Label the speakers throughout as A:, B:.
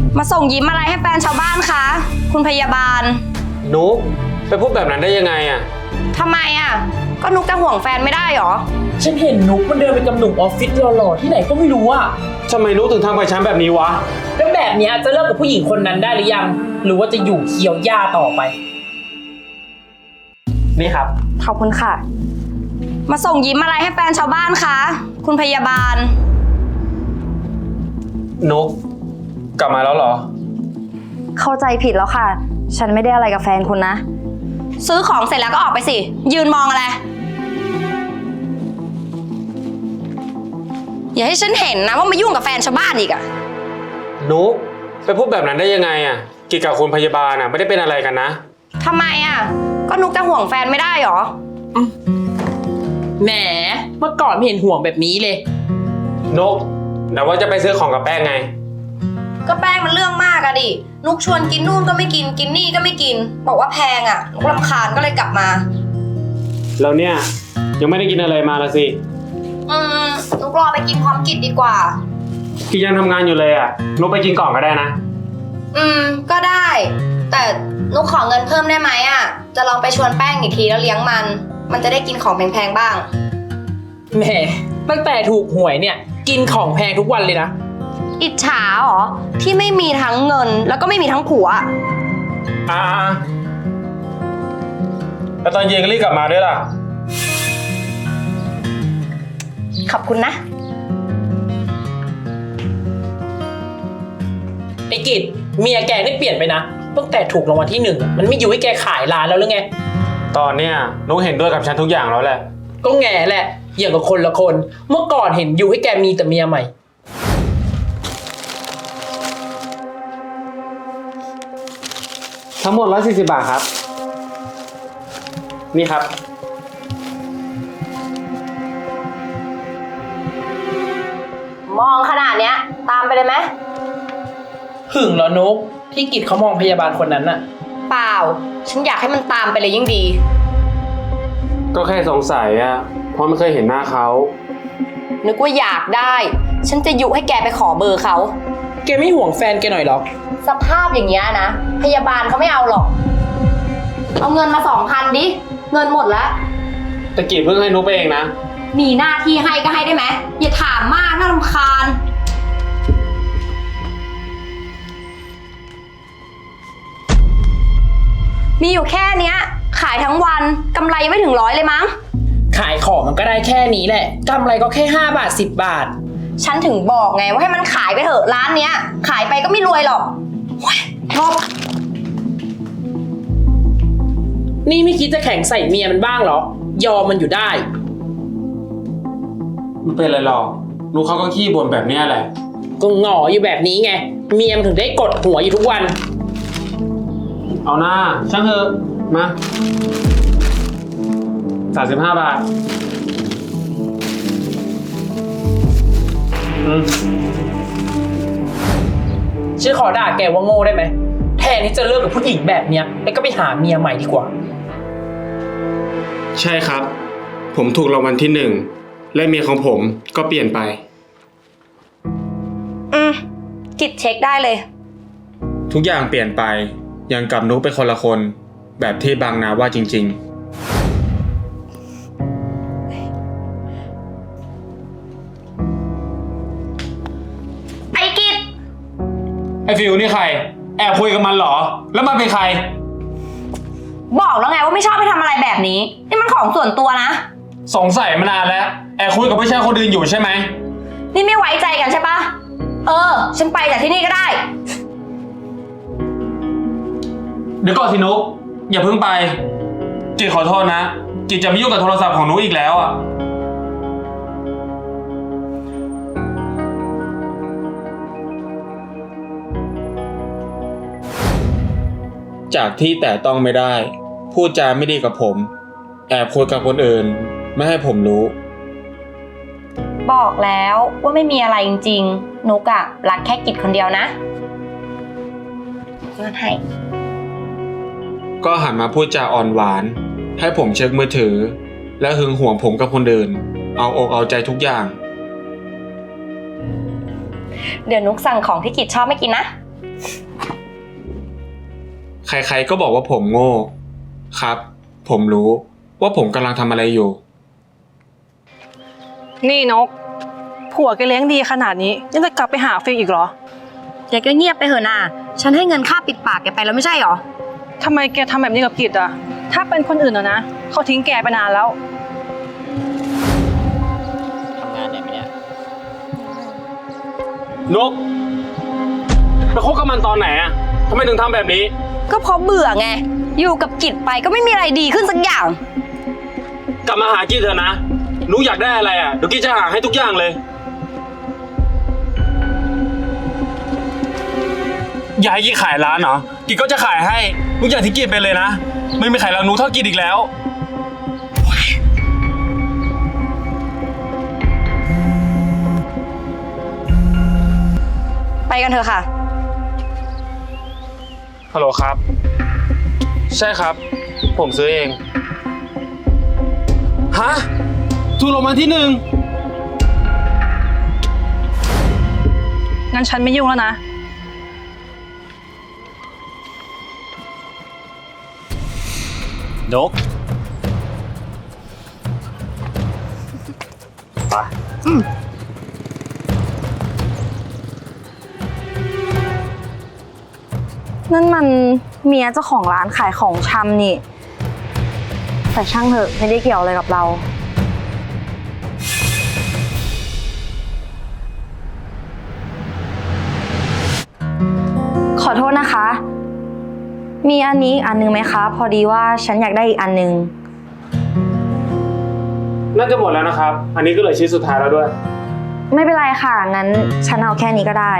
A: มาส่งยิ้มอะไรให้แฟนชาวบ้านคะคุณพยาบาล
B: นุ๊กไปพูดแบบนั้นได้ยังไงอะ
A: ทำไมอะก็นุ๊กจะห่วงแฟนไม่ได้หรอ
C: ฉันเห็นนุ๊กมันเดินไปกับหนุ่มออฟฟิศหล่อๆที่ไหนก็ไม่รู้อะ
B: ทำไมนุ๊กถึงทำกับฉันแบบนี้วะ
C: แล้วแบบนี้จะเลิกกับผู้หญิงคนนั้นได้หรือยังหรือว่าจะอยู่เคี้ยวหญ้าต่อไปนี่ครับ
A: ขอบคุณค่ะมาส่งยิ้มอะไรให้แฟนชาวบ้านคะคุณพยาบาล
B: นุ๊กกลับมาแล้วเหรอ
A: เข้าใจผิดแล้วค่ะฉันไม่ได้อะไรกับแฟนคุณนะซื้อของเสร็จแล้วก็ออกไปสิยืนมองอะไรอย่าให้ฉันเห็นนะว่ามายุ่งกับแฟนชาวบ้านอีกอะ
B: นุ๊กไปพูดแบบนั้นได้ยังไงอะกิจกับคุณพยาบาลอะไม่ได้เป็นอะไรกันนะ
A: ทำไมอะก็นุ๊กจะห่วงแฟนไม่ได้หรอ
C: แหมเมื่อก่อนไม่เห็นห่วงแบบนี้เลย
B: นุ๊กแต่ว่าจะไปซื้อของกับแป้งไง
A: ก็แป้งมันเรื่องมากอะดินุกชวนกินนู่นก็ไม่กินกินนี่ก็ไม่กินบอกว่าแพงอะนุกรำคาญก็เลยกลับมา
B: แล้วเนี่ยยังไม่ได้กินอะไรมาละสิ
A: นุกรอไปกินพร้อมกิจดีกว่า
B: กิจยังทำงานอยู่เลยอะนุกไปกินก่อนก็ได้นะ
A: ก็ได้แต่นุกขอเงินเพิ่มได้ไหมอะจะลองไปชวนแป้งอีกทีแล้วเลี้ยงมันจะได้กินของแพงๆบ้าง
C: แหมตั้งแต่ถูกหวยเนี่ยกินของแพงทุกวันเลยนะ
A: อิจฉาเหรอที่ไม่มีทั้งเงินแล้วก็ไม่มีทั้งผัว
B: แล้วตอนเย็นก็รีบกลับมาด้วยล่ะ
A: ขอบคุณนะ
C: ไอ้กิจเมียแกนี่เปลี่ยนไปนะตั้งแต่ถูกรางวัลที่1มันไม่อยู่ให้แกขายร้านแล้วหรือไง
B: ตอนเนี้ยนุ๊กเห็นด้วยกับฉันทุกอย่างแล้วแหละ
C: ก็แง่แหละอย่างกับคนละคนเมื่อก่อนเห็นอยู่ให้แกมีแต่เมียใหม่
B: ทั้งหมด140 บาทครับนี่ครับ
A: มองขนาดเนี้ยตามไปเลยไหม
C: หึงเหรอนุ๊กที่กิจเขามองพยาบาลคนนั้นน่ะ
A: เปล่าฉันอยากให้มันตามไปเลยยิ่งดี
B: ก็แค่สงสัยอะเพราะไม่เคยเห็นหน้าเขา
A: นึกว่าอยากได้ฉันจะยุให้แกไปขอเบอร์เขา
C: แกไม่ห่วงแฟนแกหน่อยหรอ
A: สภาพอย่างเงี้ยนะพยาบาลเขาไม่เอาหรอกเอาเงินมา2,000ดิเงินหมดแล้ว
B: ตะกี้เพิ่งให้นุ๊กไปเองนะ
A: มีหน้าที่ให้ก็ให้ได้ไหมอย่าถามมากน่ารำคาญมีอยู่แค่เนี้ยขายทั้งวันกำไรไม่ถึง100เลยมั้ง
C: ขายของมันก็ได้แค่นี้แหละกำไรก็แค่5 บาท10 บาท
A: ฉันถึงบอกไงว่าให้มันขายไปเถอะร้านเนี้ยขายไปก็ไม่รวยหรอกงบ
C: นี่ไม่คิดจะแข่งใส่เมียมันบ้างเหรอยอมมันอยู่ได้
B: ไม่เป็นไรหรอกนุ๊กเขาก็ขี้บ่นแบบนี้แหละ
C: ก็หงออยู่แบบนี้ไงเมียมันถึงได้กดหัวอยู่ทุกวัน
B: เอาหน้าช่างเถอะมา35 บาท
C: ฉันขอด่าแกว่าโง่ได้ไหมแทนที่จะเลิกกับผู้หญิงแบบเนี้ยแล้วก็ไปหาเมียใหม่ดีกว่า
B: ใช่ครับผมถูกรางวัลที่1และเมียของผมก็เปลี่ยนไป
A: กิจเช็คได้เลย
B: ทุกอย่างเปลี่ยนไปยังกับนุ๊กเป็นคนละคนแบบที่บางนาว่าจริงๆ
A: ไอ้กิจ
B: ไอ้ฟิวนี่ใครแอบคุยกับมันเหรอแล้วมันเป็นใคร
A: บอกแล้วไงว่าไม่ชอบให้ทำอะไรแบบนี้นี่มันของส่วนตัวนะ
B: สงสัยมานานแล้วแอบคุยกับผู้ชายคนอื่นอยู่ใช่ไหม
A: นี่ไม่ไว้ใจกันใช่ปะฉันไปจากที่นี่ก็ได้
B: เดี๋ยวก่อนสินุ๊กอย่าเพิ่งไปกิจขอโทษนะกิจจะไม่ยุ่งกับโทรศัพท์ของนุ๊กอีกแล้วอ่ะจากที่แต่ต้องไม่ได้พูดจาไม่ดีกับผมแอบคุยกับคนอื่นไม่ให้ผมรู้
A: บอกแล้วว่าไม่มีอะไรจริงๆนุกอะรักแค่กิจคนเดียวนะเงินให้
B: ก็หันมาพูดจาอ่อนหวานให้ผมเช็คมือถือและหึงหวงผมกับคนอื่นเอาอกเอาใจทุกอย่าง
A: เดี๋ยวนุกสั่งของที่กิจชอบไม่กินนะ
B: ใครๆก็บอกว่าผมโง่ครับ ผมรู้ว่าผมกำลังทำอะไรอยู่
D: นี่นก ผัวแกเลี้ยงดีขนาดนี้ยังจะกลับไปหาฟิลอีกเหรอ
A: แกก็เงียบไปเถอะน่ะฉันให้เงินค่าปิดปากแกไปแล้วไม่ใช่หรอ
D: ทำไมแกทำแบบนี้กับกิจอะถ้าเป็นคนอื่นอะนะเขาทิ้งแกไปนานแล้ว
E: ทำงานไหนไหมเนี่ย
B: นกไปคบกับมันตอนไหนอะทำไมถึงทำแบบนี้
A: ก็เพราะเบื่อไง อยู่กับกิจไปก็ไม่มีอะไรดีขึ้นสักอย่าง
B: กลับมาหากิจเถอะนะนุกอยากได้อะไรอะเดี๋ยวกิจจะหาให้ทุกอย่างเลย อยากให้กิจขายร้านเหรอ กิจก็จะขายให้นุกอยากที่กิจไปเลยนะ ไม่มีใครรักนุกเท่ากิจอีกแล้ว
A: ไปกันเถอะค่ะ
B: ฮัลโหลครับ ใช่ครับ ผมซื้อเอง ฮะ ถูกรางวัลที่ 1
D: งั้นฉันไม่ยุ่งแล้วนะ
E: นก ไป
A: นั่นมันเมียเจ้าของร้านขายของชำนี่ แต่ช่างเถอะไม่ได้เกี่ยวอะไรกับเรา ขอโทษนะคะ มีอันนี้อีกอันนึงไหมคะ พอดีว่าฉันอยากได้อีกอันนึง
B: น่าจะหมดแล้วนะครับ อันนี้ก็เหลือชิ้นสุดท้ายแล้วด้วย
A: ไม่เป็นไรค่ะ งั้นฉันเอาแค่นี้ก็ได้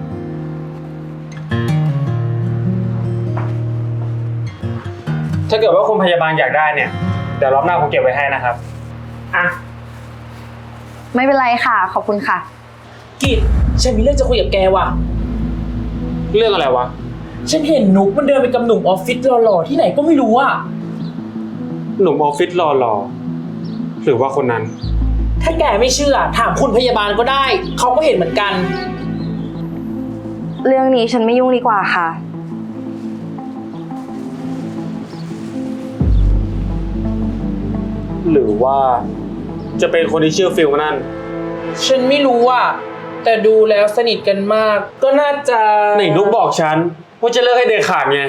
B: ถ้าเกิดว่าคุณพยาบาลอยากได้เนี่ย เดี๋ยวรอบหน้าผมเก็บไว้ให้นะครับ อ่ะ
A: ไม่เป็นไรค่ะ ขอบคุณค่ะ
C: กิจฉันมีเรื่องจะคุยกับแกว่ะ
B: เรื่องอะไรวะ
C: ฉันเห็นนุกมันเดินไปกับหนุ่มออฟฟิศหล่อๆที่ไหนก็ไม่รู้อ่ะ
B: หนุ่มออฟฟิศหล่อๆหรือว่าคนนั้น
C: ถ้าแกไม่เชื่อถามคุณพยาบาลก็ได้ เขาก็เห็นเหมือนกัน
A: เรื่องนี้ฉันไม่ยุ่งดีกว่าค่ะ
B: หรือว่าจะเป็นคนที่ชื่อฟิลนั่น
C: ฉันไม่รู้อ่ะ แต่ดูแล้วสนิทกันมาก ก็น่าจะ
B: ไหนนุกบอกฉันว่าจะเลิกให้เด็ดขาดไง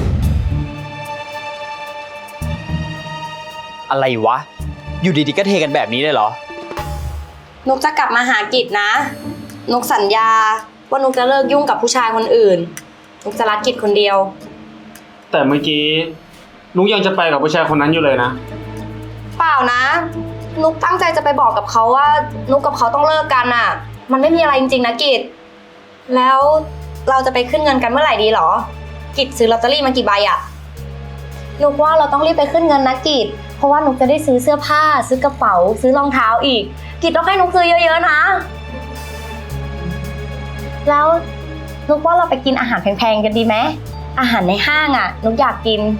E: อะไรวะ อยู่ดีๆก็เทกันแบบนี้เลยเหรอ
A: นุกจะกลับมาหากิจนะ นุกสัญญาว่านุกจะเลิกยุ่งกับผู้ชายคนอื่น นุกจะรักกิจคนเดียว
B: แต่เมื่อกี้นุกยังจะไปกับผู้ชายคนนั้นอยู่เลยนะ
A: เปล่านะ นุกตั้งใจจะไปบอกกับเขาว่า นุกกับเขาต้องเลิกกันอ่ะ มันไม่มีอะไรจริงๆนะกิจ แล้วเราจะไปขึ้นเงินกันเมื่อไหร่ดีหรอ กิจซื้อลอตเตอรี่มากี่ใบอ่ะ นุกว่าเราต้องรีบไปขึ้นเงินนะกิจ เพราะว่านุกจะได้ซื้อเสื้อผ้า ซื้อกระเป๋า ซื้อรองเท้าอีก กิจต้องให้นุกซื้อเยอะๆนะ แล้วนุกว่าเราไปกินอาหารแพงๆกันดีไหม อาหารในห้างอ่ะ นุกอยากกิน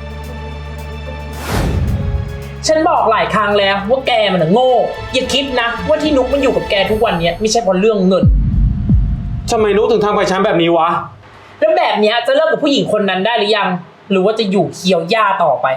C: ฉันบอกหลายครั้งแล้วว่าแกมันน่ะโง่ อย่าคิดนะว่าที่นุกมันอยู่กับแกทุกวันเนี้ยไม่ใช่เพราะเรื่องเงิน
B: ทำไมนุกถึงทำกับฉันแบบนี้วะ
C: แล้วแบบเนี้ยจะเลิกกับผู้หญิงคนนั้นได้หรือยัง หรือว่าจะอยู่เคี้ยวหญ้าต่อไป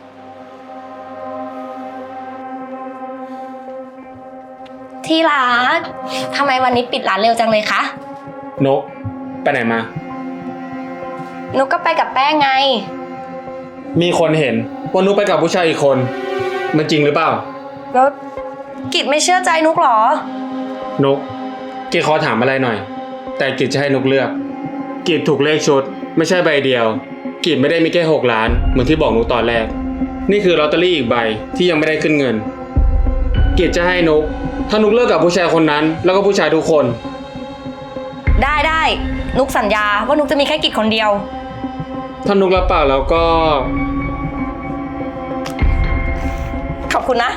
A: ที่รัก ทำไมวันนี้ปิดร้านเร็วจังเลยคะ
B: นกไปไหนมา
A: นุกก็ไปกับแป้งไง
B: มีคนเห็นว่านุกไปกับผู้ชายอีกคน มันจริงหรือเปล่า
A: แล้วกิจไม่เชื่อใจนุกเหรอ
B: นกกิจขอถามอะไรหน่อย แต่กิจจะให้นกเลือก กิจถูกเลขชุด ไม่ใช่ใบเดียว กิจไม่ได้มีแค่6 ล้านเหมือนที่บอกนุกตอนแรก นี่คือลอตเตอรี่อีกใบที่ยังไม่ได้ขึ้นเงิน กิจจะให้นก ถ้านุกเลิกกับผู้ชายคนนั้น แล้วก็ผู้ชายทุกคน
A: ได้นุกสัญญาว่านุกจะมีแค่กิจคนเดียว
B: ถ้านุกรับปากแล้วก็
A: ขอบคุณนะ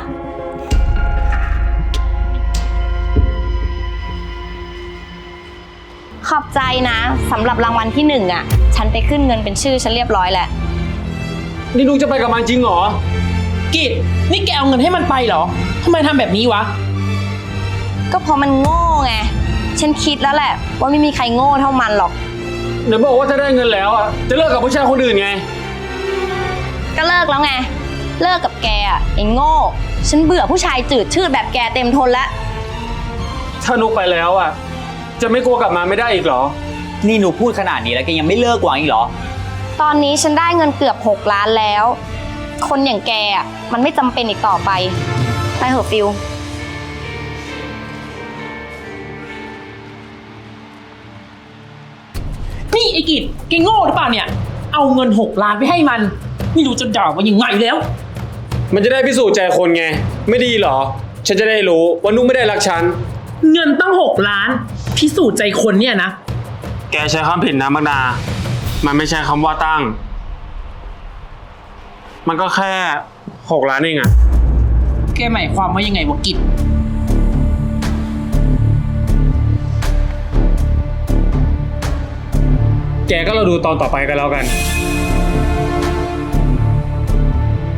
A: ขอบใจนะสำหรับรางวัลที่1อ่ะ ฉันไปขึ้นเงินเป็นชื่อฉันเรียบร้อยแล้ว
B: นี่นุกจะไปกับมันจริงเหรอ
C: กิจนี่แกเอาเงินให้มันไปเหรอทำไมทำแบบนี้วะ
A: ก็เพราะมันโง่ไง ฉันคิดแล้วแหละว่าไม่มีใครโง่เท่ามันหรอก
B: ไหนบอกว่าถ้าได้เงินแล้วอ่ะจะเลิกกับผู้ชายคนอื่นไง
A: ก็เลิกแล้วไง เลิกกับแกอะไอ้โง่ ฉันเบื่อผู้ชายจืดชืดแบบแกเต็มทนแล้ว
B: ถ้านุกไปแล้วอ่ะ จะไม่กลัวกลับมาไม่ได้อีกเหรอ
E: นี่หนูพูดขนาดนี้แล้วแกยังไม่เลิกวางอีกเหรอ
A: ตอนนี้ฉันได้เงินเกือบ6 ล้านแล้ว คนอย่างแกอะมันไม่จำเป็นอีกต่อไป ไปเถอะฟิล
C: นี่ไอ้กิจแกโง่หรือเปล่าเนี่ย เอาเงิน6 ล้านไปให้มัน ไม่รู้จะด่าว่ายังไงแล้ว
B: มันจะได้พิสูจน์ใจคนไง ไม่ดีเหรอ ฉันจะได้รู้ว่านุกไม่ได้รักฉัน
C: เงินตั้ง6 ล้าน พิสูจน์ใจคนเนี่ยนะ
B: แกใช้คำผิดนะมักดา มันไม่ใช่คำว่าตั้ง มันก็แค่6 ล้านเองอะ
C: แกหมายความว่ายังไงวะกิจ
B: แกก็เราดูตอนต่อไปกันแล้วกัน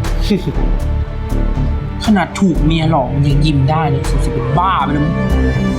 C: ขนาดถูกเมียหลอกมันยังยิ้มได้เลยสุดๆเป็นบ้าไปแล้วมั้ง